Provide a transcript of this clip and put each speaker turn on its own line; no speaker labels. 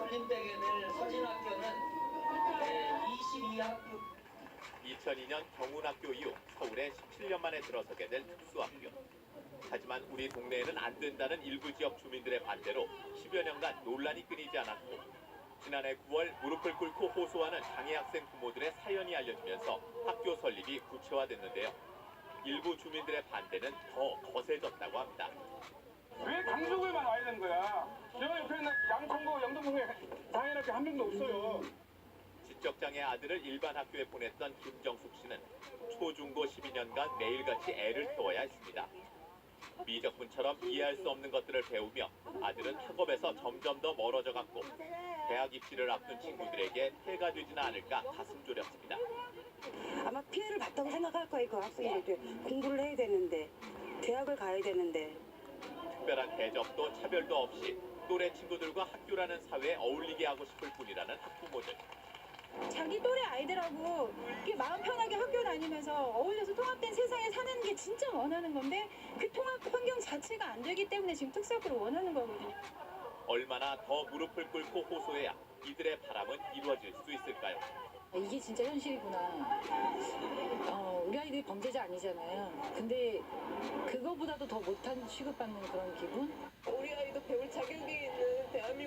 살림되게 될 서진학교는 22학급.
2002년 경운학교 이후 서울에 17년 만에 들어서게 될 특수학교. 하지만 우리 동네에는 안 된다는 일부 지역 주민들의 반대로 10여 년간 논란이 끊이지 않았고 지난해 9월 무릎을 꿇고 호소하는 장애 학생 부모들의 사연이 알려지면서 학교 설립이 구체화됐는데요. 일부 주민들의 반대는 더 거세졌다고 합니다.
왜 강북에만 와야 되는 거야? 저 옆에 있는 양천구, 영등포에 장애인학교 한 명도 없어요.
지적장애 아들을 일반 학교에 보냈던 김정숙 씨는 초중고 12년간 매일같이 애를 태워야 했습니다. 미적분처럼 이해할 수 없는 것들을 배우며 아들은 학업에서 점점 더 멀어져 갔고 대학 입시를 앞둔 친구들에게 폐가 되지는 않을까 가슴 졸였습니다.
아마 피해를 봤다고 생각할 거예요. 그 학생들도 공부를 해야 되는데 대학을 가야 되는데.
특별한 대접도 차별도 없이 또래 친구들과 학교라는 사회에 어울리게 하고 싶을 뿐이라는 학부모들.
자기 또래 아이들하고 이렇게 마음 편하게 학교 다니면서 어울려서 통합된 세상에 사는 게 진짜 원하는 건데 그 통합 환경 자체가 안 되기 때문에 지금 특수학교를 원하는 거거든요.
얼마나 더 무릎을 꿇고 호소해야 이들의 바람은 이루어질 수 있을까요?
이게 진짜 현실이구나. 우리 아이들이 범죄자 아니잖아요. 근데 그거보다도 더 못한 취급받는 그런 기분?
우리 아이도 배울 자격이 있는 대한민국